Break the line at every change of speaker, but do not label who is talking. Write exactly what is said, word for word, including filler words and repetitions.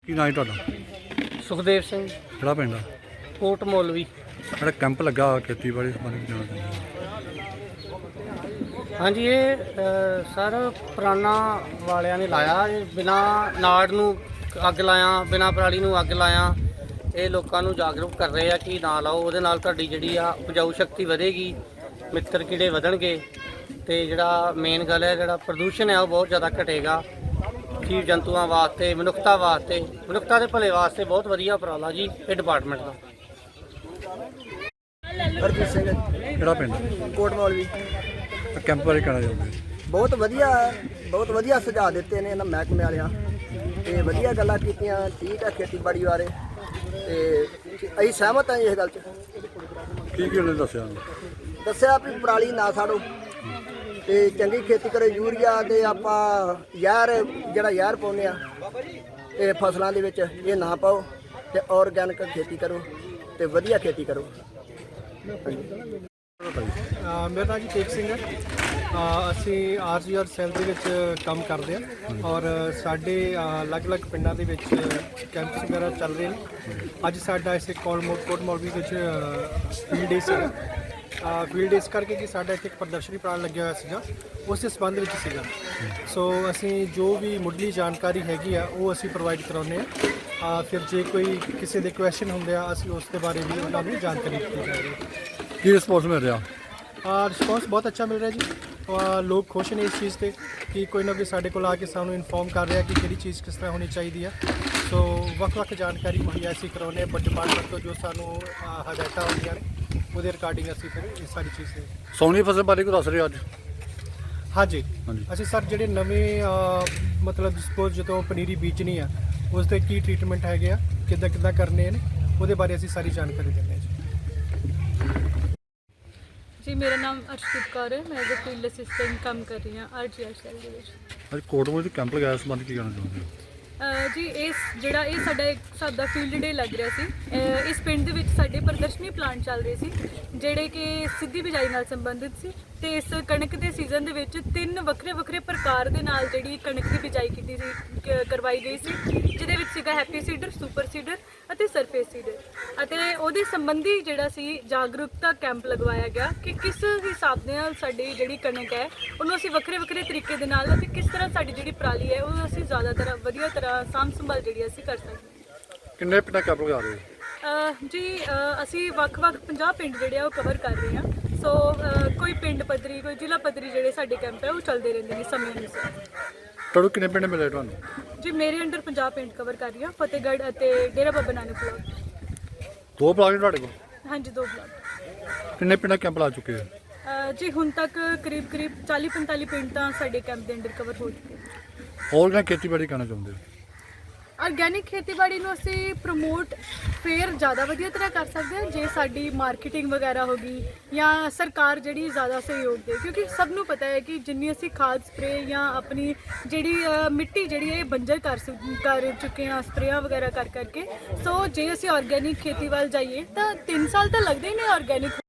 ਕੀ ਨਾਂ ਹੈ ਤੁਹਾਡਾ?
ਸੁਖਦੇਵ ਸਿੰਘ,
ਕਿਹੜਾ ਪਿੰਡ ਆ?
ਕੋਟ ਮੌਲਵੀ।
ਜਿਹੜਾ ਕੈਂਪ ਲੱਗਾ ਖੇਤੀਬਾੜੀ ਸੰਬੰਧੀ ਜਾਣਾ ਚਾਹੁੰਦੇ
ਹਾਂਜੀ, ਇਹ ਅ, ਸਰ ਪੁਰਾਣਾ ਵਾਲਿਆਂ ਨੇ ਲਾਇਆ। ਇਹ ਬਿਨਾਂ ਨਾੜ ਨੂੰ ਅੱਗ ਲਾਇਆ, ਬਿਨਾਂ ਪਰਾਲੀ ਨੂੰ ਅੱਗ ਲਾਇਆ। ਇਹ ਲੋਕਾਂ ਨੂੰ ਜਾਗਰੂਕ ਕਰ ਰਹੇ ਆ ਕਿ ਨਾ ਲਾਓ, ਉਹਦੇ ਨਾਲ ਤੁਹਾਡੀ ਜਿਹੜੀ ਆ ਉਪਜਾਊ ਸ਼ਕਤੀ ਵਧੇਗੀ, ਮਿੱਤਰ ਕੀੜੇ ਵਧਣਗੇ ਤੇ ਜਿਹੜਾ ਮੇਨ ਗੱਲ ਹੈ ਜਿਹੜਾ ਪ੍ਰਦੂਸ਼ਣ ਹੈ ਉਹ ਬਹੁਤ ਜ਼ਿਆਦਾ ਘਟੇਗਾ। ਜੀਵ ਜੰਤੂਆਂ ਵਾਸਤੇ, ਮਨੁੱਖਤਾ ਵਾਸਤੇ, ਮਨੁੱਖਤਾ ਦੇ ਭਲੇ ਵਾਸਤੇ ਬਹੁਤ ਵਧੀਆ ਉਪਰਾਲਾ ਜੀ ਇਹ ਡਿਪਾਰਟਮੈਂਟ ਦਾ।
ਹਰਜੀਤ ਸਿੰਘ,
ਕਿਹੜਾ ਪਿੰਡ?
ਕੋਟ ਮੌਲਵੀ।
ਕੈਂਪ ਬਾਰੇ ਕਹਿਣਾ ਚਾਹੁੰਦੇ?
ਬਹੁਤ ਵਧੀਆ ਬਹੁਤ ਵਧੀਆ ਸੁਝਾਅ ਦਿੱਤੇ ਨੇ ਇਹਨਾਂ ਮਹਿਕਮੇ ਵਾਲਿਆਂ ਤੇ ਵਧੀਆ ਗੱਲਾਂ ਕੀਤੀਆਂ। ਠੀਕ ਹੈ, ਖੇਤੀਬਾੜੀ ਬਾਰੇ ਤੇ ਅਸੀਂ ਸਹਿਮਤ ਹਾਂ ਇਸ ਗੱਲ 'ਚ।
ਕੀ ਕੀ ਉਹਨੇ ਦੱਸਿਆ?
ਦੱਸਿਆ ਵੀ ਪਰਾਲੀ ਨਾ ਸਾੜੋ ਤੇ ਚੰਗੀ ਖੇਤੀ ਕਰੋ। ਯੂਰੀਆ ਦੇ ਆਪਾਂ ਜ਼ਹਿਰ ਜਿਹੜਾ ਜ਼ਹਿਰ ਪਾਉਂਦੇ ਆ ਇਹ ਫਸਲਾਂ ਦੇ ਵਿੱਚ ਇਹ ਨਾ ਪਾਓ ਤੇ ਆਰਗੈਨਿਕ ਖੇਤੀ ਕਰੋ ਤੇ ਵਧੀਆ ਖੇਤੀ ਕਰੋ।
ਮੇਰਾ ਨਾਮ ਜੀ ਤੇਜ ਸਿੰਘ ਹੈ। ਅਸੀਂ ਆਰ ਜੀ ਆਰ ਸੈੱਲ ਦੇ ਵਿੱਚ ਕੰਮ ਕਰਦੇ ਹਾਂ ਔਰ ਸਾਡੇ ਅਲੱਗ-ਅਲੱਗ ਪਿੰਡਾਂ ਦੇ ਵਿੱਚ ਕੈਂਪਸ ਵਗੈਰਾ ਚੱਲ ਰਹੇ ਨੇ। ਅੱਜ ਸਾਡਾ ਇਸੇ ਕੋਟ ਮੌਲਵੀ ਵਿੱਚ ਫੀਲਡ ਡੇ ਸੀਗਾ। ਫੀਲਡ ਇਸ ਕਰਕੇ ਕਿ ਸਾਡਾ ਇੱਥੇ ਇੱਕ ਪ੍ਰਦਰਸ਼ਨੀ ਪ੍ਰਾਣ ਲੱਗਿਆ ਹੋਇਆ ਸੀਗਾ, ਉਸ ਦੇ ਸੰਬੰਧ ਵਿੱਚ ਸੀਗਾ। ਸੋ ਅਸੀਂ ਜੋ ਵੀ ਮੁੱਢਲੀ ਜਾਣਕਾਰੀ ਹੈਗੀ ਆ ਉਹ ਅਸੀਂ ਪ੍ਰੋਵਾਈਡ ਕਰਾਉਂਦੇ ਹਾਂ। ਫਿਰ ਜੇ ਕੋਈ ਕਿਸੇ ਦੇ ਕੁਐਸਚਨ ਹੁੰਦੇ ਆ ਅਸੀਂ ਉਸ ਦੇ ਬਾਰੇ ਵੀ ਉਹਨਾਂ ਨੂੰ ਜਾਣਕਾਰੀ ਦਿੱਤੀ ਜਾ ਰਹੀ ਹੈ।
ਕੀ ਰਿਸਪੌਂਸ ਮਿਲ ਰਿਹਾ?
ਰਿਸਪੌਂਸ ਬਹੁਤ ਅੱਛਾ ਮਿਲ ਰਿਹਾ ਜੀ। ਲੋਕ ਖੁਸ਼ ਨੇ ਇਸ ਚੀਜ਼ 'ਤੇ ਕਿ ਕੋਈ ਨਾ ਕੋਈ ਸਾਡੇ ਕੋਲ ਆ ਕੇ ਸਾਨੂੰ ਇਨਫੋਰਮ ਕਰ ਰਿਹਾ ਕਿ ਕਿਹੜੀ ਚੀਜ਼ ਕਿਸ ਤਰ੍ਹਾਂ ਹੋਣੀ ਚਾਹੀਦੀ ਹੈ। ਸੋ ਵੱਖ-ਵੱਖ ਜਾਣਕਾਰੀ ਮੁਹੱਈਆ ਅਸੀਂ ਕਰਾਉਂਦੇ ਹਾਂ, ਬਟ ਡਿਪਾਰਟਮੈਂਟ ਤੋਂ ਜੋ ਸਾਨੂੰ ਹਦਾਇਤਾਂ ਆਉਂਦੀਆਂ ਨੇ ਉਹਦੇ ਰਿਗਾਰਡਿੰਗ ਅਸੀਂ ਫਿਰ ਇਹ ਸਾਰੀ ਚੀਜ਼ ਤੇ
ਸੋਨੀ ਫਸਲ ਬਾਰੇ ਕੋਈ ਦੱਸ ਰਹੇ ਅੱਜ?
ਹਾਂਜੀ
ਹਾਂਜੀ।
ਅਸੀਂ ਸਰ ਜਿਹੜੇ ਨਵੇਂ ਮਤਲਬ ਸਪੋਜ਼ ਜਦੋਂ ਪਨੀਰੀ ਬੀਜਣੀ ਆ ਉਸ ਦੇ ਕੀ ਟਰੀਟਮੈਂਟ ਹੈਗੇ ਆ, ਕਿੱਦਾਂ ਕਿੱਦਾਂ ਕਰਨੇ ਨੇ, ਉਹਦੇ ਬਾਰੇ ਅਸੀਂ ਸਾਰੀ ਜਾਣਕਾਰੀ ਦਿੰਦੇ ਹਾਂ ਜੀ।
ਜੀ ਮੇਰਾ ਨਾਮ ਅਰਸ਼ਦੀਪ ਕੌਰ ਹੈ। ਮੈਂ ਐਜ਼ ਅ ਫੀਲਡ ਅਸਿਸਟੈਂਟ ਕੰਮ ਕਰ ਰਹੀ ਹਾਂ ਆਰ ਜੀ ਆਰ ਸੈੱਲ ਦੇ ਵਿੱਚ।
ਅੱਜ ਕੋਟਮੋਲ ਵਿੱਚ ਕੈਂਪ ਲਗਾਇਆ, ਸੰਬੰਧ ਕੀ ਕਹਿਣਾ ਚਾਹੁੰਦੇ ਹੋ?
ਅਹ ਜੀ ਇਸ ਜਿਹੜਾ ਇਹ ਸਾਡਾ ਇੱਕ ਹਿਸਾਬ ਦਾ ਫੀਲਡ ਡੇ ਲੱਗ ਰਿਹਾ ਸੀ। ਅਹ ਇਸ ਪਿੰਡ ਦੇ ਵਿੱਚ ਸਾਡੇ ਪ੍ਰਦਰਸ਼ਨੀ ਪਲਾਂਟ ਚੱਲ ਰਹੇ ਸੀ ਜਿਹੜੇ ਕਿ ਸਿੱਧੀ ਬਿਜਾਈ ਨਾਲ ਸੰਬੰਧਿਤ ਸੀ ਤੇ ਇਸ ਕਣਕ ਦੇ ਸੀਜ਼ਨ ਦੇ ਵਿੱਚ ਤਿੰਨ ਵੱਖਰੇ ਵੱਖਰੇ ਪ੍ਰਕਾਰ ਦੇ ਨਾਲ ਜਿਹੜੀ ਕਣਕ ਦੀ ਬਿਜਾਈ ਕੀਤੀ ਸੀ ਕ- ਕਰਵਾਈ ਗਈ ਸੀ, ਜਿਹਦੇ ਵਿੱਚ ਸੀਗਾ ਹੈਪੀ ਸੀਡਰ, ਸੁਪਰ ਸੀਡਰ ਅਤੇ ਸਰਫੇਸ ਸੀਡਰ। ਅਤੇ ਉਹਦੇ ਸੰਬੰਧੀ ਜਿਹੜਾ ਸੀ ਜਾਗਰੂਕਤਾ ਕੈਂਪ ਲਗਵਾਇਆ ਗਿਆ ਕਿ ਕਿਸ ਹਿਸਾਬ ਦੇ ਨਾਲ ਸਾਡੀ ਜਿਹੜੀ ਕਣਕ ਹੈ ਉਹਨੂੰ ਅਸੀਂ ਵੱਖਰੇ ਵੱਖਰੇ ਤਰੀਕੇ ਦੇ ਨਾਲ ਅਤੇ ਕਿਸ ਤਰ੍ਹਾਂ ਸਾਡੀ ਜਿਹੜੀ ਪਰਾਲੀ ਹੈ ਉਹ ਅਸੀਂ ਜ਼ਿਆਦਾਤਰ ਵਧੀਆ ਤਰ੍ਹਾਂ ਸਾਂਭ ਸੰਭਾਲ ਜਿਹੜੀ ਅਸੀਂ ਕਰ ਸਕਦੇ ਹਾਂ।
ਕਿੰਨੇ ਪਿੰਡਾਂ ਕੈਂਪ ਲਗਾ ਰਹੇ ਹੋ?
ਅਹ ਜੀ ਅਹ ਅਸੀਂ ਵੱਖ-ਵੱਖ ਪੰਜਾਹ ਪਿੰਡ ਜਿਹੜੇ ਆ ਉਹ ਕਵਰ ਕਰ ਰਹੇ ਹਾਂ। ਸੋ ਅਹ ਕੋਈ ਪਿੰਡ ਪੱਧਰੀ, ਕੋਈ ਜ਼ਿਲ੍ਹਾ ਪੱਧਰੀ ਜਿਹੜੇ ਸਾਡੇ ਕੈਂਪ ਹੈ ਉਹ ਚੱਲਦੇ ਰਹਿੰਦੇ ਨੇ ਸਮੇਂ ਅਨੁਸਾਰ।
ਤੁਹਾਨੂੰ ਕਿੰਨੇ ਪਿੰਡ ਮਿਲੇ ਤੁਹਾਨੂੰ?
ਜੀ ਮੇਰੇ ਅੰਡਰ ਪੰਜਾਹ ਪਿੰਡ ਕਵਰ ਕਰ ਰਹੀ ਹਾਂ, ਫਤਿਹਗੜ੍ਹ ਅਤੇ ਡੇਰਾ ਬਾਬਾ ਨਾਨਕ ਬਲਾਕ।
ਦੋ ਬਲਾਕ ਨੇ ਤੁਹਾਡੇ ਕੋਲ?
ਹਾਂਜੀ, ਦੋ ਬਲਾਕ।
ਕਿੰਨੇ ਪਿੰਡਾਂ ਕੈਂਪ ਲਾ ਚੁੱਕੇ ਹੋ?
ਅਹ ਜੀ ਹੁਣ ਤੱਕ ਕਰੀਬ ਕਰੀਬ ਚਾਲੀ ਪੰਤਾਲੀ ਪਿੰਡ ਤਾਂ ਸਾਡੇ ਕੈਂਪ ਦੇ ਅੰਡਰ ਕਵਰ ਹੋ ਚੁੱਕੇ ਨੇ।
ਹੋਰ ਕਿਹਨਾਂ ਖੇਤੀਬਾੜੀ ਕਰਨਾ ਚਾਹੁੰਦੇ ਹੋ?
ਆਰਗੈਨਿਕ ਖੇਤੀਬਾੜੀ ਨੂੰ ਅਸੀਂ ਪ੍ਰਮੋਟ ਫੇਰ ਜ਼ਿਆਦਾ ਵਧੀਆ ਤਰ੍ਹਾਂ ਕਰ ਸਕਦੇ ਹਾਂ ਜੇ ਸਾਡੀ ਮਾਰਕੀਟਿੰਗ ਵਗੈਰਾ ਹੋ ਗਈ ਜਾਂ ਸਰਕਾਰ ਜਿਹੜੀ ਜ਼ਿਆਦਾ ਸਹਿਯੋਗ ਦੇ, ਕਿਉਂਕਿ ਸਭ ਨੂੰ ਪਤਾ ਹੈ ਕਿ ਜਿੰਨੀ ਅਸੀਂ ਖਾਦ ਸਪਰੇ ਜਾਂ ਆਪਣੀ ਜਿਹੜੀ ਅ, ਮਿੱਟੀ ਜਿਹੜੀ ਹੈ ਇਹ ਬੰਜਰ ਕਰ ਸੁ- ਕਰ ਚੁੱਕੇ ਹਾਂ ਸਪਰੇਆਂ ਵਗੈਰਾ ਕਰ ਕਰਕੇ। ਸੋ ਜੇ ਅਸੀਂ ਆਰਗੈਨਿਕ ਖੇਤੀ ਵੱਲ ਜਾਈਏ ਤਾਂ ਤਿੰਨ ਸਾਲ ਤਾਂ ਲੱਗਦੇ ਹੀ ਨੇ ਆਰਗੈਨਿਕ